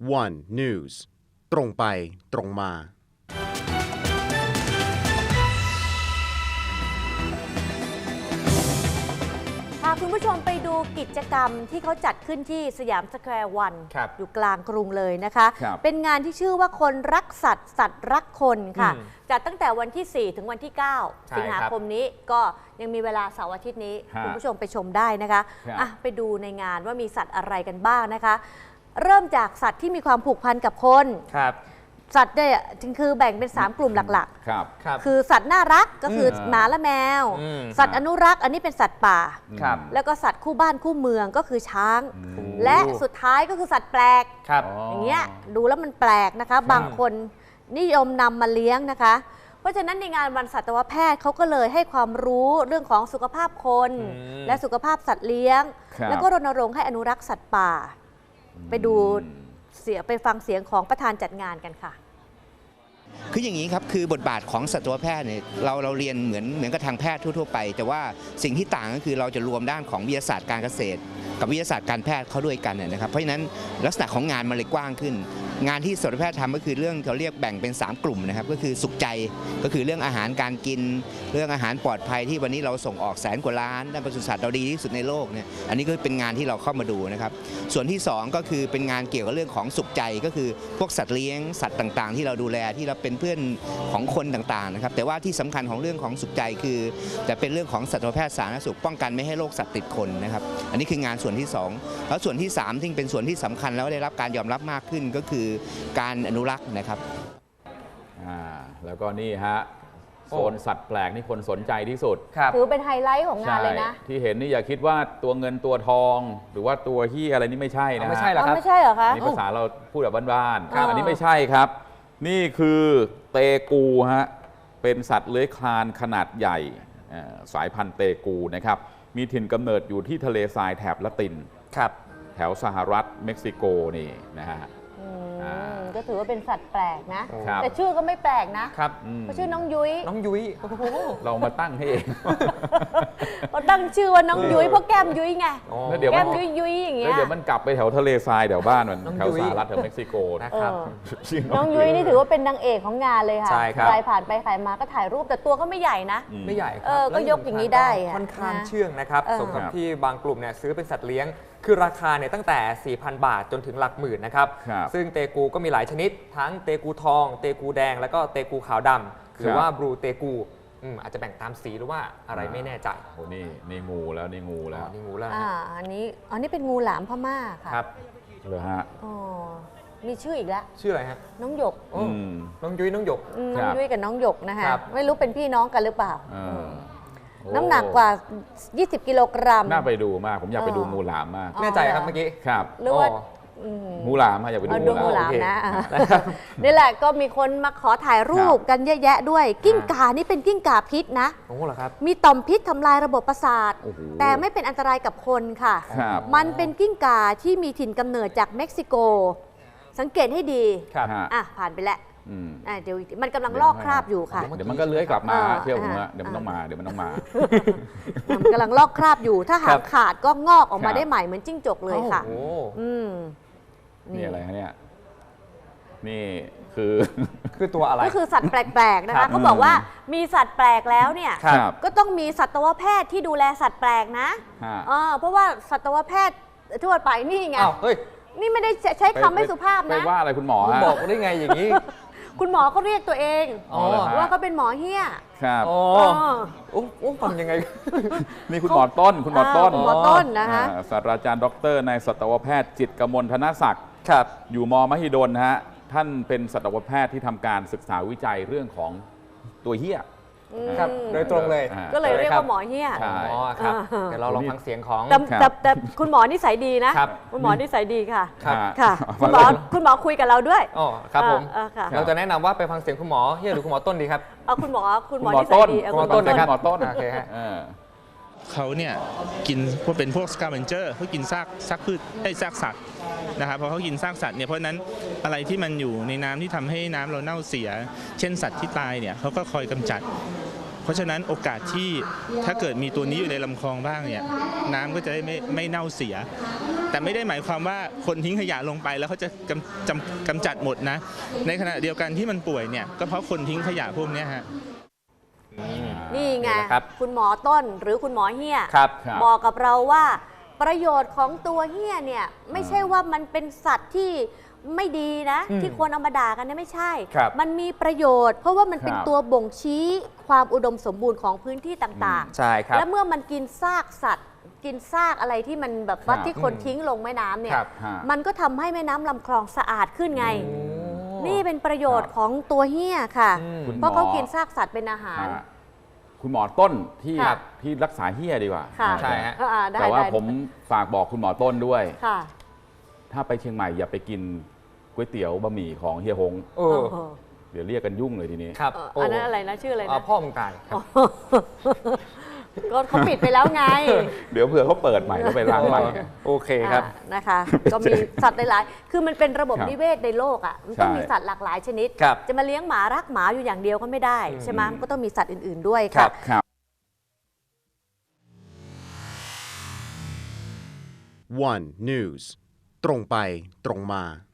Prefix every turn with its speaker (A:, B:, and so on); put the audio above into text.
A: One News ตรงไปตรงมา
B: พาคุณผู้ชมไปดูกิจกรรมที่เขาจัดขึ้นที่สยามสแควร์วันอยู่กลางกรุงเลยนะคะเป็นงานที่ชื่อว่าคนรักสัตว์สัตว์รักคนค่ะจัดตั้งแต่วันที่ 4 ถึงวันที่ 9 สิงหาคมนี้ก็ยังมีเวลาเสาร์อาทิตย์นี้คุณผู้ชมไปชมได้นะคะไปดูในงานว่ามีสัตว์อะไรกันบ้างนะคะเริ่มจากสัตว์ที่มีความผูกพันกับคนสัตว์เนี่ยคือแบ่งเป็น3กลุ่มหลักๆคือสัตว์น่ารักก็คือหมาและแมวสัตว์อนุรักษ์อันนี้เป็นสัตว์ป่าแล้วก็สัตว์คู่บ้านคู่เมืองก็คือช้างและสุดท้ายก็คือสัตว์แปลกอย่างเงี้ยดูแล้วมันแปลกนะคะบางคนนิยมนำมาเลี้ยงนะคะเพราะฉะนั้นในงานวันสัตวแพทย์เขาก็เลยให้ความรู้เรื่องของสุขภาพคนและสุขภาพสัตว์เลี้ยงแล้วก็รณรงค์ให้อนุรักษ์สัตว์ป่าไปฟังเสียงของประธานจัดงานกันค่ะ
C: คืออย่างนี้ครับคือบทบาทของสัตวแพทย์เนี่ยเราเรียนเหมือนกับทางแพทย์ทั่วๆไปแต่ว่าสิ่งที่ต่างก็คือเราจะรวมด้านของวิทยาศาสตร์การเกษตรกับวิทยาศาสตร์การแพทย์เข้าด้วยกันนะครับเพราะฉะนั้นลักษณะของงานมันเลยกว้างขึ้นงานที่สัตวแพทย์ทำก็คือเรื่องเขาเรียกแบ่งเป็น3กลุ่มนะครับก็คือสุขใจก็คือเรื่องอาหารการกินเรื่องอาหารปลอดภัยที่วันนี้เราส่งออกแสนกว่าล้านด้านปศุสัตว์เราดีที่สุดในโลกเนี่ยอันนี้ก็เป็นงานที่เราเข้ามาดูนะครับส่วนที่2ก็คือเป็นงานเกี่ยวกับเรื่องของสุขใจก็คือพวกสัตว์เลี้ยงสัตว์ต่างๆที่เราดูแลที่เราเป็นเพื่อนของคนต่างๆนะครับแต่ว่าที่สำคัญของเรื่องของสุขใจคือจะเป็นเรื่องของสัตวแพทย์สาธารณสุขป้องกันไม่ให้โรคสัตว์ติดคนนะครับอันนี้คืองานส่วนที่2แล้วส่วนที่3ที่เป็นส่วนที่สำคัญแล้วได้รับการยอมรับมากขึ้นก็คือการอนุรักษ์นะครับ
D: แล้วก็นี่ฮะโซนสัตว์แปลกนี่คนสนใจที่สุด
B: ถือเป็นไฮไลท์ของงานเลยนะ
D: ที่เห็นนี่อย่าคิดว่าตัวเงินตัวทองหรือว่าตัวเหี้ยอะไรนี่ไม่ใช่นะ
B: ไม่ใช่หรอครับไม่ใช่เหรอคะ
D: นี่ภาษาเราพูดแบบบ้านๆอันนี้ไม่ใช่ครับนี่คือเตกูฮะเป็นสัตว์เลื้อยคลานขนาดใหญ่สายพันธุ์เตกูนะครับมีถิ่นกำเนิดอยู่ที่ทะเลทรายแถบละตินแถวสหรัฐเม็กซิโกนี่นะฮะ
B: ก็ถือว่าเป็นสัตว์แปลกนะแต่ชื่อก็ไม่แปลกนะเพราะชื่อน้องยุ้ย
D: เรามาตั้งให้เอง
B: เราตั้งชื่อว่าน้องยุ้ยเพราะแก้มยุ้ยไงแก้มยุ้ยอย่างเงี้ย
D: เดี๋ยวมันกลับไปแถวทะเลทรายแถวบ้านมันแถวสหรัฐแถวเม็กซิโก
B: นะครับน้องยุ้ยนี่ถือว่าเป็นนางเอกของงานเลยค่ะใครผ่านไปใครมาก็ถ่ายรูปแต่ตัวก็ไม่ใหญ่นะ
E: ไม่ใหญ่
B: ก็ยกอย่างนี้ได้
E: ค่อนข้างเชื่องนะครับสมกับที่บางกลุ่มเนี่ยซื้อเป็นสัตว์เลี้ยงคือราคาเนี่ยตั้งแต่ 4,000 บาทจนถึงหลักหมื่นนะครับซึ่งเตกูก็มีหลายชนิดทั้งเตกูทองเตกูแดงแล้วก็เตกูขาวดำหรือว่าบลูเตกูอาจจะแบ่งตามสีหรือว่าอะไรไม่แน่ใจ
D: โอ้นี่งูแล้วนี่งูแล้ว
B: อันนี้เป็นงูหลามพม่าค่ะ
D: ครับเหรอฮะ
B: มีชื่ออีกแล้ว
E: ชื่ออะไรฮะ
B: น้องหยก
E: น้องยุ้ยน้องหยก
B: น้องยุ้ยกับน้องหยกนะคะไม่รู้เป็นพี่น้องกันหรือเปล่าน้ำหนักกว่า20กิโลกรัม
D: น่าไปดูมากผมอยากไปดูงูหลามมาก
E: แน่ใจครับเมื่อกี้
D: ครับ
B: หรือว่า
D: งูหลามอยากไปดู
B: งูหลามนะนี่แหละก็มีคนมาขอถ่ายรูปกันเยอะแยะด้วยกิ้งก่านี่เป็นกิ้งก่าพิษนะมีต่อมพิษทำลายระบบประสาทแต่ไม่เป็นอันตรายกับคนค่ะมันเป็นกิ้งก่าที่มีถิ่นกำเนิดจากเม็กซิโกสังเกตให้ดีผ่านไปแล้วเดี๋ยวมันกำลังลอกคราบอยู่ค่ะ
D: เดี๋ยวมันก็เลื้อยกลับมาเที่ยวผมเดี๋ยวมันต้องมา
B: มันกำลังลอกคราบอยู่ถ้าหางขาดก็งอกออกมาได้ใหม่เหมือนจิ้งจกเลยค่ะ
D: นี่อะไรฮะเนี่ยนี่คือ
E: ตัวอะไร
B: ก็คือสัตว์แปลกๆนะคะเขาบอกว่ามีสัตว์แปลกแล้วเนี่ยก็ต้องมีสัตวแพทย์ที่ดูแลสัตว์แปลกนะเพราะว่าสัตวแพทย์ทั่วไปนี่ไงนี่ไม่ได้ใช้คำไม่สุภาพนะ
D: ไปว่าอะไรคุณหมอ
E: บอกได้ไงอย่างนี้
B: คุณหมอเขาเรียกตัวเองว่าเขาเป็นหมอเหี้ย
D: ครับ
E: ฟังยังไง
D: นี่คุณหมอต้น
B: นะคะ
D: ศาสตราจารย์ดร.นายสัตวแพทย์จิตรกมลธนศักดิ์อยู่ม.มหิดลฮะท่านเป็นสัตวแพทย์ที่ทำการศึกษาวิจัยเรื่องของตัวเหี้ย
E: ครับโดยตรงเลย
B: ก็เลยเรียกว่าหมอเหี้ย
E: ครับเดี๋ยวเราลองฟังเสียงของ
B: แต่คุณหมอนิสัยดีนะคุณหมอนิสัยดีค่ะค่ะคุณหมอคุยกับเราด้วย
E: ครับผมเราจะแนะนำว่าไปฟังเสียงคุณหมอเหี้ยหรือคุณหมอต้นดีครับ
B: คุณหมอนิสัยดี
E: คุณหมอต้นนะครับ
D: หมอต้น
E: โอเคฮะ
F: เขาเนี่ยกินเป็นพวกสกาเวนเจอร์เขากินซากพืชซากสัตว์นะครับพอเขากินซากสัตว์เนี่ยเพราะนั้นอะไรที่มันอยู่ในน้ำที่ทำให้น้ำเราเน่าเสียเช่นสัตว์ที่ตายเนี่ยเขาก็คอยกำจัดเพราะฉะนั้นโอกาสที่ถ้าเกิดมีตัวนี้อยู่ในลำคลองบ้างเนี่ยน้ำก็จะได้ไม่เน่าเสีย แต่ไม่ได้หมายความว่าคนทิ้งขยะลงไปแล้วเขาจะกำจัดหมดนะในขณะเดียวกันที่มันป่วยเนี่ยก็เพราะคนทิ้งขยะพวกนี้ฮะ
B: นี่ไง
E: นะครับ
B: คุณหมอต้นหรือคุณหมอเฮีย
E: ครับ
B: บอกกับเราว่าประโยชน์ของตัวเฮียเนี่ยไม่ใช่ว่ามันเป็นสัตว์ที่ไม่ดีนะ ที่คนเอามาด่ากันเนี่ยไม่ใช่ มันมีประโยชน์ เพราะว่ามันเป็นตัวบ่งชี้ความอุดมสมบูรณ์ของพื้นที่ต่างๆ
E: ใช่ครับ
B: และเมื่อมันกินซากสัตว์ กินซากอะไรที่มันแบบว่าที่คนทิ้งลงแม่น้ำเนี่ยมันก็ทำให้แม่น้ำลำคลองสะอาดขึ้นไง นี่เป็นประโยชน์ของตัวเฮียค่ะ เพราะเขากินซากสัตว์เป็นอาหาร
D: คุณหมอต้นที่รักษาเฮียดีกว่า
E: ใช่ฮะ
D: แต่ว่าผมฝากบอกคุณหมอต้นด้วย
B: ค่ะ
D: ถ้าไปเชียงใหม่อย่าไปกินก๋วยเตี๋ยวบะหมี่ของเฮียฮงเดี๋ยวเรียกกันยุ่งเลยทีนี้
E: ครับ
B: อันนั้นอะไรนะชื่ออะไรนะ
E: พ่อมึงตายครับ
B: ก็เขาปิดไปแล้วไง
D: เดี๋ยวเผื่อเขาเปิดใหม่แล้วไปล้างใหม่
E: โอเคครับ
B: นะคะ ก็มีสัตว์หลายๆคือมันเป็นระบบนิเวศในโลกอ่ะมันต้องมีสัตว์หลากหลายชนิด จะมาเลี้ยงหมารักหมาอยู่อย่างเดียวก็ไม่ได้ใช่ไหมมันก็ต้องมีสัตว์อื่นๆด้วยค่ะ
A: One News ตรงไปตรงมา